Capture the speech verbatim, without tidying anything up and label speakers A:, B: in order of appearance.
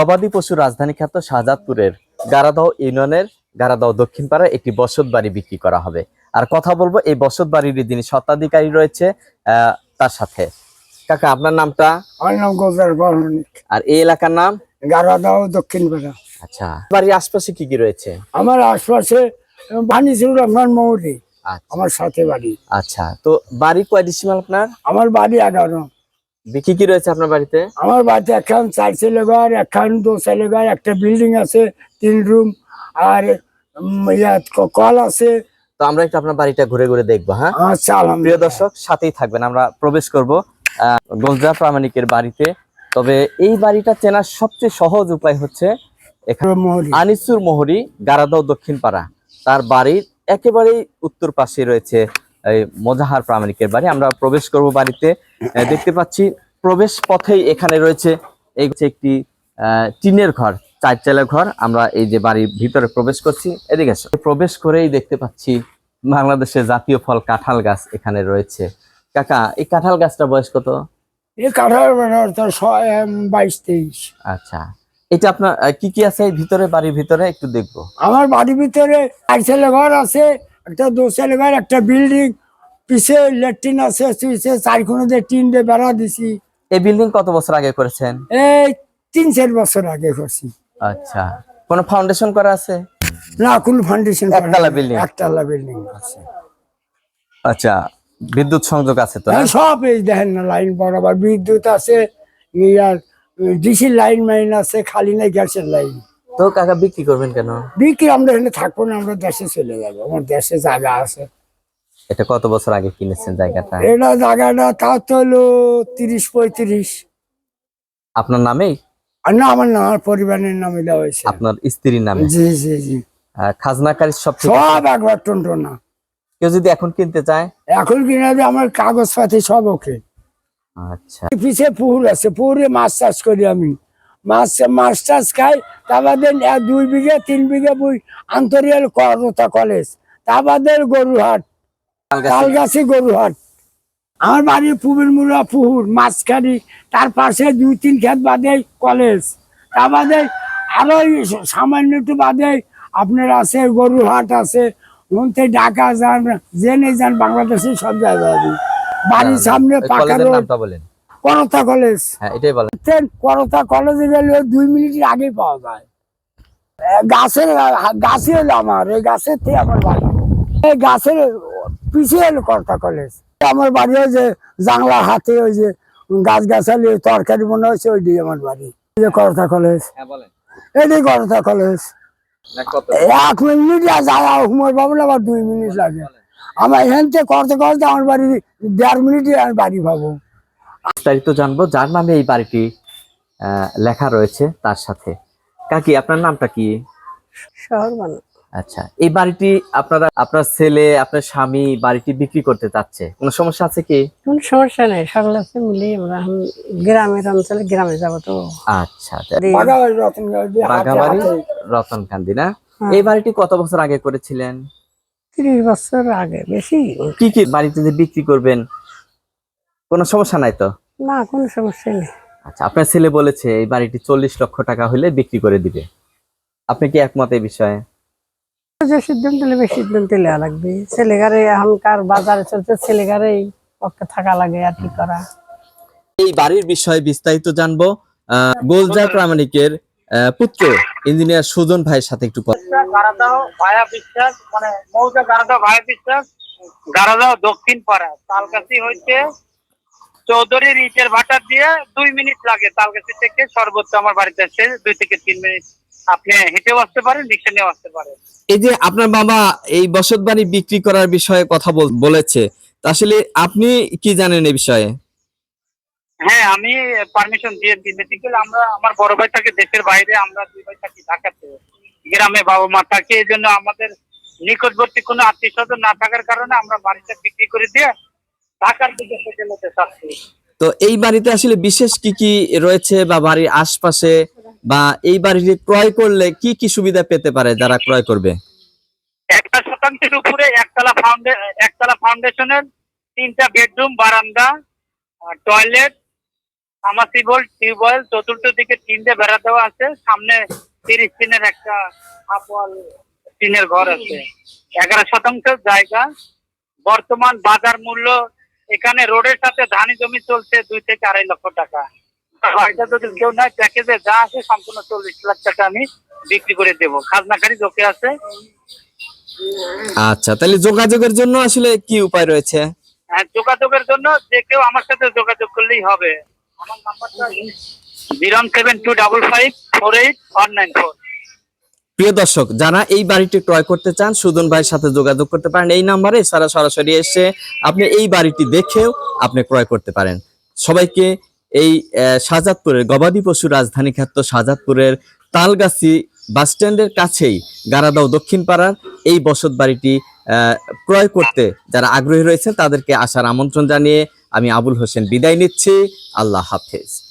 A: গবাদি পশু রাজধানী খ্যাত শাহজাদপুরের গারাদহ ইউনিয়নের গারাদহ দক্ষিণ পাড়ায় একটি বসত বাড়ি বিক্রি করা হবে। আর কথা বলবো এই বসত বাড়ির যিনি স্বত্বাধিকারী রয়েছে আহ তার সাথে। কাকা, আপনার নামটা?
B: আমার নাম গোজার বর্মনিক।
A: আর এই এলাকার নাম?
B: গারাদহ দক্ষিণ পাড়া।
A: আচ্ছা, বাড়ির আশপাশে কি কি রয়েছে?
B: আমার আশপাশে বানিসুর রহমান মৌরি
A: আচ্ছা
B: আমার সাথে বাড়ি।
A: আচ্ছা, তো বাড়ি কয় ডিসিমাল আপনার?
B: আমার বাড়ি এগারো।
A: কি কি রয়েছে আপনার বাড়িতে?
B: আমার বাড়িতে এখন চার ছেলে ঘর, এখন দু ছেলে ঘর, একটা বিল্ডিং আছে, তিন রুম, আর উম, ইয়া, ক- কল আছে।
A: তো আমরা একটু আপনার বাড়িটা ঘুরে ঘুরে দেখবো। হ্যাঁ,
B: আচ্ছা,
A: প্রিয়
B: আলহামদুলিল্লাহ।
A: দর্শক সাথেই থাকবেন, আমরা প্রবেশ করব আহ গোলজা প্রামাণিকের বাড়িতে। তবে এই বাড়িটা চেনার সবচেয়ে সহজ উপায় হচ্ছে এখানে
B: মৌরি।
A: আনিসুর মোহরি গারাদহ দক্ষিণ পাড়া, তার বাড়ির একেবারেই উত্তর পাশে রয়েছে এই মোজাহার প্রামাণিকের বাড়ি। আমরা প্রবেশ করব বাড়িতে। আহ, দেখতে পাচ্ছি প্রবেশ পথেই এখানে রয়েছে এই হচ্ছে একটি আহ টিনের ঘর, চার চালের ঘর। আমরা এই যে বাড়ির ভিতরে প্রবেশ করছি, এদিকে এসো। প্রবেশ করেই দেখতে পাচ্ছি বাংলাদেশের জাতীয় ফল কাঁঠাল গাছ এখানে রয়েছে। কাকা, এই কাঁঠাল গাছটা বয়স কত?
B: এই কাঠার বাইশ তেইশ।
A: আচ্ছা, এটা আপনার আহ, কি কি আছে এই ভিতরে, বাড়ির ভিতরে একটু দেখবো।
B: আমার বাড়ির ভিতরে চার ছেলে ঘর আছে, একটা দু ছেলে ঘর, একটা বিল্ডিং, পিছে ল্যাট্রিন আছে, পিছে চার খুনে দিয়ে টিন দিয়ে বেড়া দিছি।
A: এই বিল্ডিং কত বছর আগে করেছেন?
B: এই তিন চার বছর আগে করছি।
A: আচ্ছা, কোনো ফাউন্ডেশন করা আছে?
B: না, কোন ফাউন্ডেশন।
A: একতলা building?
B: একতলা বিল্ডিং আছে।
A: আচ্ছা, বিদ্যুৎ সংযোগ আছে তো?
B: হ্যাঁ, সব এই দেখেন না, লাইন বরাবর বিদ্যুৎ আছে, ইয়ার ডিসির লাইন মাইন আছে, খালি নাই গ্যাসের লাইন।
A: তো কাকা, বিক্রি করবেন কেন?
B: বিক্রি আমরা এখানে থাকবো না, আমরা দেশে চলে যাবো, আমার দেশে জায়গা আছে।
A: এটা কত বছর আগে কিনেছেন জায়গাটা?
B: এটা জায়গাটা তা তো হলো তিরিশ পঁয়ত্রিশ।
A: আপনার নামেই?
B: আর না, আমার না, আমার পরিবারের নামে দেওয়া হয়েছে।
A: আপনার স্ত্রীর নামে?
B: জি জি জি।
A: আহ, খাজনাকারী সব ঠিক আছে?
B: সব একবার টনটনা।
A: কেউ যদি এখন কিনতে চায়?
B: এখন কিনা দিয়ে আমার কাগজপাতি সব ওকে।
A: আচ্ছা,
B: পিছে পুকুর আছে, পুকুরে মাছ চাষ করি আমি। মাছ মাছ চাষ খাই। তা বাদে এক দুই বিঘে তিন বিঘে বই আন্তরিয়াল করতা কলেজ, তা বাদে গরুহাট, তালগাছি গরুহাট। আমার বাড়ির পুবের মুড়া পুকুর মাঝখানি, তার পাশে দুই তিন খেত বাদে কলেজ, তা বাদে আরো সামান্য একটু বাদে আপনার আছে গরুহাট আছে। মধ্যে ঢাকা যান, জেনে যান, বাংলাদেশের সব জায়গায় বাড়ির সামনে
A: ওই
B: পাকা
A: কলেজের
B: রোড।
A: নামটা বলেন।
B: করতা কলেজ।
A: হ্যাঁ, এটাই বলেন।
B: করতা কলেজে গেলে দুই মিনিটের আগে পাওয়া যায়। এ, গাছের গাছে এলো আমার, এই গাছের থেকে আমার বাড়ি, এই গাছের পিছিয়ে এলো করতা কলেজ। আমার বাড়ি ওই যে জাংলা হাতে ওই যে গাছ গাছালি তরকারি মনে হয়েছে, ওই দিয়ে আমার বাড়ি। এই যে করতা কলেজ,
A: হ্যাঁ বলেন।
B: এটাই করতা কলেজ।
A: না, কত?
B: এক মিনিট যাওয়া হুমর পাবো না, আবার দুই মিনিট লাগে। আমার এখান থেকে করতে করতে আমার বাড়ি দেড় মিনিটে আমি বাড়ি পাবো।
A: বিস্তারিত জানবো যার নামে এই বাড়িটি আহ, লেখা রয়েছে তার সাথে। কাকি, আপনার নামটা কি?
C: শহর বানা।
A: আচ্ছা, এই বাড়িটি আপনারা, আপনার ছেলে, আপনার স্বামী বাড়িটি বিক্রি করতে চাচ্ছে, কোনো সমস্যা আছে কি?
C: কোন সমস্যা নেই, সকল আছে মিলে আমরা এখন গ্রামের অঞ্চলে গ্রামে যাবো তো।
A: আচ্ছা,
B: বাগাবাড়ি রতনগঞ্জ দিয়ে হাতে
A: বাগাবাড়ি
B: হাতে।
A: রতনকান্দি না?
C: হ্যাঁ।
A: এই বাড়িটি কত বছর আগে করেছিলেন?
C: তিরিশ বছর আগে, বেশি
A: কি কি বাড়িতে যে বিক্রি করবেন, কোনো সমস্যা নাই তো?
C: না, কোনো সমস্যা নেই।
A: আচ্ছা, আপনার ছেলে বলেছে এই বাড়িটি চল্লিশ লক্ষ টাকা হলে বিক্রি করে দিবে, আপনি কি একমত এই বিষয়ে?
C: যে সিদ্ধান্ত নেবে সিদ্ধান্ত নেওয়া লাগবে। ছেলেগারে এখনকার বাজারে চলছে, ছেলেগারে পক্ষে থাকা লাগে আর কি করা।
A: এই বাড়ির বিষয়ে বিস্তারিত জানবো আহ গোলজার প্রামাণিকের আহ, পুত্র ইঞ্জিনিয়ার সুজন ভাইয়ের সাথে একটু কথা।
D: গারাদাও ভায়া বিশ্বাস, মানে মৌজা গারাদাও ভায়া বিশ্বাস, গারাদাও দক্ষিণ পাড়া। তালগাছি হইতে চৌধুরী ইটের ভাটা দিয়ে দুই মিনিট লাগে। তালগাছি থেকে সর্বোচ্চ আমার বাড়িতে আসছে দুই থেকে তিন মিনিট। আপনি হেঁটেও আসতে পারেন, রিক্সা নিয়েও আসতে পারেন।
A: এই যে আপনার বাবা এই বসত বাড়ি বিক্রি করার বিষয়ে কথা বল- বলেছে, তা আসলে আপনি কি জানেন এই বিষয়ে?
D: হ্যাঁ, আমি পারমিশন দিয়ে দিই। বেসিক্যালি আমরা, আমার বড় ভাই থাকে দেশের বাইরে, আমরা দুই ভাই থাকি ঢাকাতে। গ্রামে বাবা মা থাকে, এই জন্য আমাদের নিকটবর্তী কোনো আত্মীয় স্বজন না থাকার কারণে আমরা বাড়িটা বিক্রি করে দিয়ে ঢাকার দিকে সেটেল হতে চাচ্ছি।
A: তো এই বাড়িতে আসলে বিশেষ কি কি রয়েছে, বা বাড়ির আশপাশে, বা এই বাড়িটি ক্রয় করলে কি কি সুবিধা পেতে পারে যারা ক্রয় করবে?
D: একটা শতাংশের উপরে একতলা ফাউন্ডে একতলা ফাউন্ডেশনের তিনটা বেডরুম, বারান্দা, টয়লেট, আমার টিউবওয়েল টিউবওয়েল চতুর্থ দিকে তিনটে বেড়া দেওয়া আছে, সামনে তিরিশ টিনের একটা হাফ ওয়াল টিনের ঘর আছে, এগারো শতাংশ জায়গা। বর্তমান বাজার মূল্য এখানে রোডের সাথে ধানি জমি চলছে দুই থেকে আড়াই লক্ষ টাকা। বাড়িটা যদি কেউ নাই, প্যাকেজে যা আছে সম্পূর্ণ চল্লিশ লাখ টাকা আমি বিক্রি করে দেবো। খাজনাকারী লোকে আছে।
A: আচ্ছা, তাহলে যোগাযোগের জন্য আসলে কি উপায় রয়েছে?
D: হ্যাঁ, যোগাযোগের জন্য যে কেউ আমার সাথে যোগাযোগ করলেই হবে। আমার নাম্বারটা zero seven two double five four eight one nine four.
A: প্রিয় দর্শক, যারা এই বাড়িটি ক্রয় করতে চান সুজন ভাইয়ের সাথে যোগাযোগ করতে পারেন এই নাম্বারে। সারা সরাসরি এসে আপনি এই বাড়িটি দেখেও আপনি ক্রয় করতে পারেন। সবাইকে এই আহ, শাহজাদপুরের গবাদি পশু রাজধানী খ্যাত শাহজাদপুরের তালগাছি বাস স্ট্যান্ডের কাছেই গারাদাও দক্ষিণ পাড়ার এই বসত বাড়িটি আহ, ক্রয় করতে যারা আগ্রহী রয়েছেন তাদেরকে আসার আমন্ত্রণ জানিয়ে আমি আবুল হোসেন বিদায় নিচ্ছি। আল্লাহ হাফেজ।